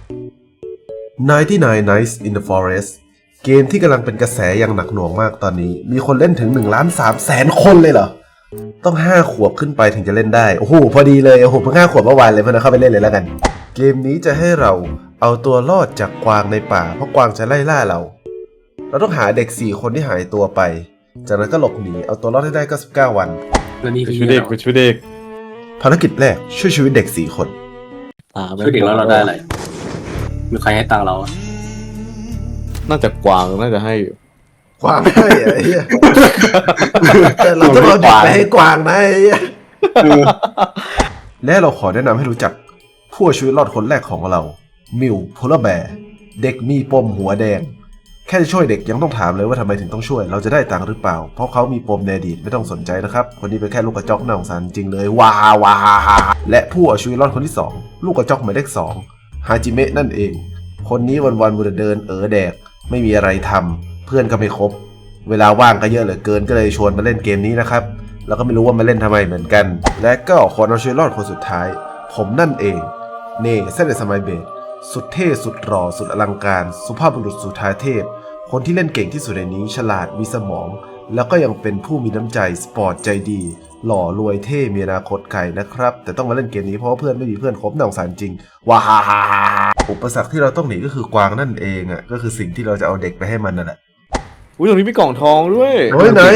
99 Nights in the Forest เกมที่กำลังเป็นกระแสอย่างหนักหน่วงมากตอนนี้มีคนเล่นถึง 1,300,000 คนเลยเหรอต้อง5 ขวบขึ้นไปถึงจะเล่นได้โอ้โหพอดีเลยโอ้โหเพิ่ง5 ขวบเมื่อวานเลยเพื่อนเข้าไปเล่นเลยแล้วกันเกมนี้จะให้เราเอาตัวรอดจากกวางในป่าเพราะกวางจะไล่ล่าเราต้องหาเด็ก4 คนที่หายตัวไปจากนั้นก็หลบหนีเอาตัวรอดให้ได้99 วันแล้วนี่ไปคือช่วยเด็กไปช่วยเด็กภารกิจแรกช่วยชีวิตเด็ก4 คนช่วยเด็กแล้วเราได้อะไรมีใครให้ตังค์เราอะน่าจะกวางน่าจะให้อยู่กวางให้ไอ้เหี้ยแต่เราต้องเอาเด็กไปให้กวางนะไอ้เหี้ยและเราขอแนะนำให้รู้จักผู้ชีวิตรอดคนแรกของเรามิวโพลาร์แบร์เด็กมีปมหัวแดงแค่จะช่วยเด็กยังต้องถามเลยว่าทำไมถึงต้องช่วยเราจะได้ตังค์หรือเปล่าเพราะเขามีปมในอดีตไม่ต้องสนใจนะครับคนนี้เป็นแค่ลูกกระจอกน่าสงสารจริงเลยว้าวาและผู้เอาชีวิตรอดคนที่2ลูกกระจอกหมายเลข2ฮาจิเมะนั่นเองคนนี้วันๆมัวแต่เดินแดกไม่มีอะไรทำเพื่อนก็ไม่ครบเวลาว่างก็เยอะเหลือเกินก็เลยชวนมาเล่นเกมนี้นะครับแล้วก็ไม่รู้ว่ามาเล่นทำไมเหมือนกันและก็คนเอาชีวิตรอดคนสุดท้ายผมนั่นเองเน่เซนเดสมัยเบสสุดเท่สุดหล่อสุดอลังการสุภาพบุรุษสุธาเทพคนที่เล่นเก่งที่สุดในนี้ฉลาดมีสมองแล้วก็ยังเป็นผู้มีน้ำใจสปอร์ตใจดีหล่อรวยเท่มีอนาคตไกลนะครับแต่ต้องมาเล่นเกมนี้เพราะว่าเพื่อนไม่มีเพื่อนคบน่าสงสารจริงว้าฮ่าฮ่าอุปสรรคที่เราต้องหนีก็คือกวางนั่นเองอ่ะก็คือสิ่งที่เราจะเอาเด็กไปให้มันนั่นแหละอุ้ยตรงนี้มีกล่องทองด้วยโอ้ยไหน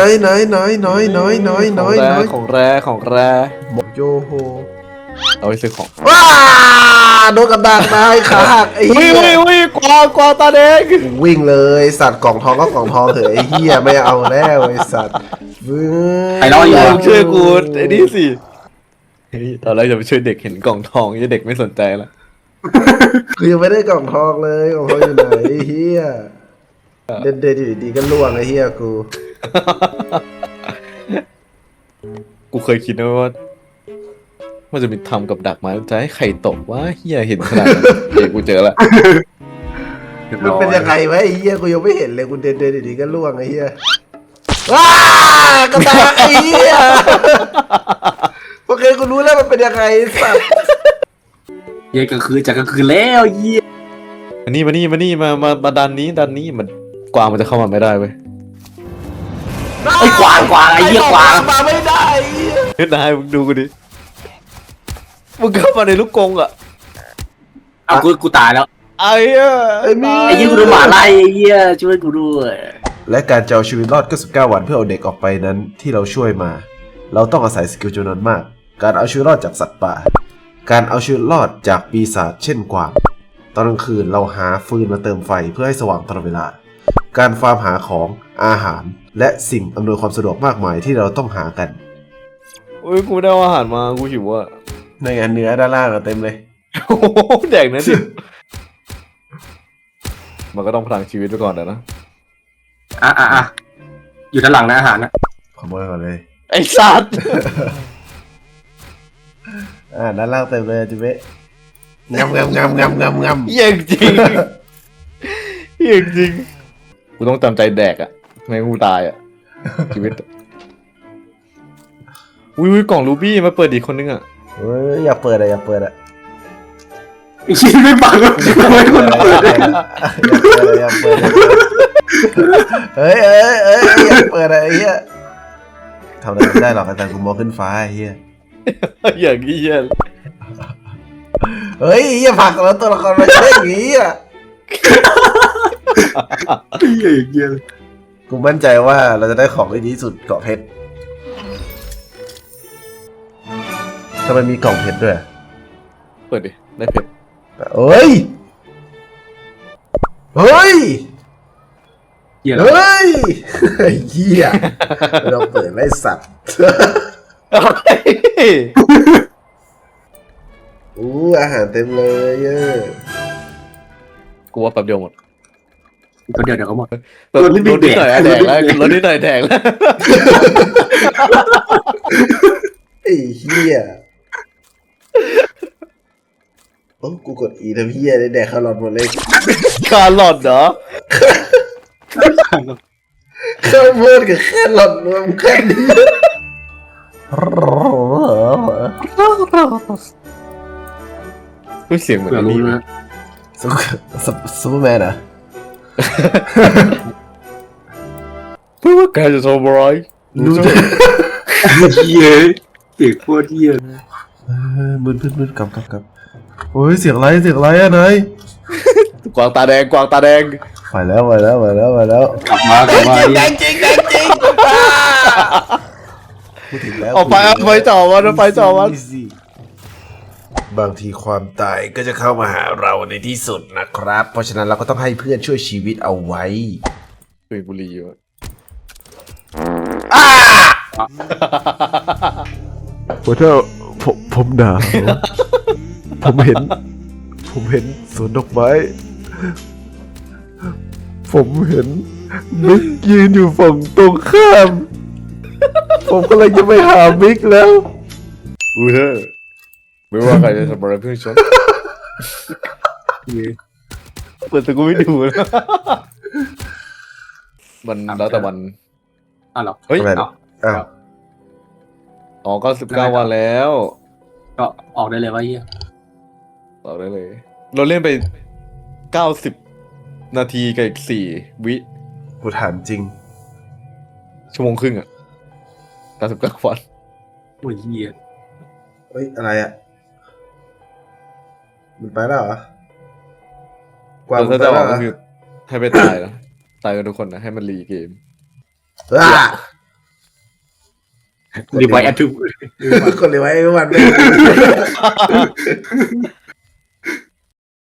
ของแรของแรหมกโยโฮเอาไปซื้อของว้าโดนกับดักนายขาหักไอ้อุ้ยเหี้ยอุ้ยกวางตาแดงวิ่งเลยสัตว์กล่องทองก็กล่องทองเถอะไอ้เหี้ยไม่เอาแล้วไอ้สัตว์ไอ้เราอยู่ช่วยกูไอ้นี่สิเฮ้ยตอนแรกจะไปช่วยเด็กเห็นกล่องทองยังเด็กไม่สนใจละคือยังไม่ได้กล่องทองเลยกล่องทองอยู่ไหนไอ้เหี้ยเด่นๆอยู่ดีๆก็ล่วงไอ้เหี้ยกูกูเคยคิดนะว่ามันจะมีทำกับดักไม้จะให้ไข่ตกว่าเฮียเห็นขนาดนั้นเดี๋ยวกูเจอละมันเป็นยังไงวะไอ้เหี้ยกูยังไม่เห็นเลยกูเด่นๆอยู่ดีๆก็ล่วงไอ้เหี้ยว้ากระดักไอ้เหี้ยโอเคกูรู้แล้วมันเป็นยังไงสัตว์เย็นกลางคืนจากกลางคืนแล้วเยี่ยมาดันนี้มันกวางมันจะเข้ามาไม่ได้เว้ยไอ้กวางไอ้เหี้ยกวางมาไม่ได้ไอ้เหี้ยเฮ้ยนายมึงดูกูดิมึงเข้ามาในลูกกรงอ่ะเอากูตายแล้วไอ้เหี้ยไอ้มี่ไอ้เหี้ยกูโดนหมาไล่ไอ้เหี้ยช่วยกูด้วยและการจะเอาชีวิตรอด99 วันเพื่อเอาเด็กออกไปนั้นที่เราช่วยมา เราต้องอาศัยสกิลจำนวนมากการเอาชีวิตรอดจากสัตว์ป่าการเอาชีวิตรอดจากปีศาจเช่นกวางตอนกลางคืนเราหาฟืนมาเติมไฟเพื่อให้สว่างตลอดเวลาการฟาร์มหาของอาหารและสิ่งอำนวยความสะดวกมากมายที่เราต้องหากันโอ้ยกูไม่ได้เอาอาหารมากูหิวอ่ะในงานเนื้อด้านล่างเต็มเลยโอ้โหแดกนะดิมันก็ต้องพลังชีวิตไปก่อนนะอ่ะอยู่ด้านหลังนะอาหารนะขโมยก่อนเลยไอ้สัตว์ด้านล่างเต็มเลยจิเวะงำเยี่ยงจริงเยี่ยงจริงกูต้องจำใจแดกอ่ะไม่งั้นกูตายอ่ะชีวิตอุ้ยกล่องรูบี้มาเปิดอีกคนนึงอ่ะเฮ้ยอย่าเปิดอะไอ้ชี้ไม่ปังเลยทำไมคนเปิดเลยอย่าเปิดเฮ้ยอย่าเปิดอะไอ้เหี้ยทำอะไรไม่ได้หรอกอาจารย์กูมองขึ้นฟ้าไอ้เหี้ยอย่างนี้เยี่ยเฮ้ยอย่าผลักแล้วตัวละครมาใช่อย่างงี้อ่ะเหี้ยกูมั่นใจว่าเราจะได้ของที่ดีที่สุดเกาะเพชรทำไมมีกล่องเพชรด้วยเปิดดิได้เผ็ดเฮ้ยเหี้ยเฮ้ยไอ้เหี้ยเราเปิดไล่สัตว์อู้อาหารเต็มเลยเยอะกูว่าแป๊บเดียวหมดก็เดี๋ยวเขาหมดรถนิดหน่อยแดกแล้วรถนิดหน่อยแดกแล้วไอ้เหี้ยโอ้กูกดอีทำเหี้ยได้แดกคาร์ลอตหมดเลยคาร์ลอตเหรอข้าวโพดกับแครอทรวมกันเสียงเหมือนเผื่ออันรู้นี้นะซูเปอร์แมนเหรอเพื่อว่าแกจะทำอะไรรู้จักเหี้ยเสียงโคตรเหี้ยมืดกลับโอ้ยเสียงอะไรอะนายกวางตาแดงกวางตาแดงไปแล้วกลับมาแดงจริงพูดถึงแล้วเอาไปจ่อมันเอาไปจ่อมันบางทีความตายก็จะเข้ามาหาเราในที่สุดนะครับ เพราะฉะนั้นเราก็ต้องให้เพื่อนช่วยชีวิตเอาไว้คุยบุรีอยู่โอ้เธอผมหนาว ผมเห็นสวนดอกไม้ ผมเห็นมิกยืนอยู่ฝั่งตรงข้าม ผมก็เลยจะไปหามิกแล้วอูเธอไม่ว่าใครจะทำอะไรเพื่อฉันเปิดแต่กูไม่ดูนะมันแล้วแต่วันอ้าวเหรอเฮ้ยอะไรนะ อ้าวอ๋อ99 วันแล้วก็ออกได้เลยว่าเหี้ยต่อได้เลย เราเล่นไป90 นาทีกับอีก4 วิกูถามจริงชั่วโมงครึ่งอ่ะ99 วันโอ้ยเหี้ยเฮ้ย อะไรอ่ะ มันไปแล้วเหรอ กวางเรามันไปจะบแล้อกวเหรก็อคือให้ไปตายนะตายกันทุกคนนะ ให้มันรีเกมอ่ะรีไวแอดทูคนเลยไว้วันไม่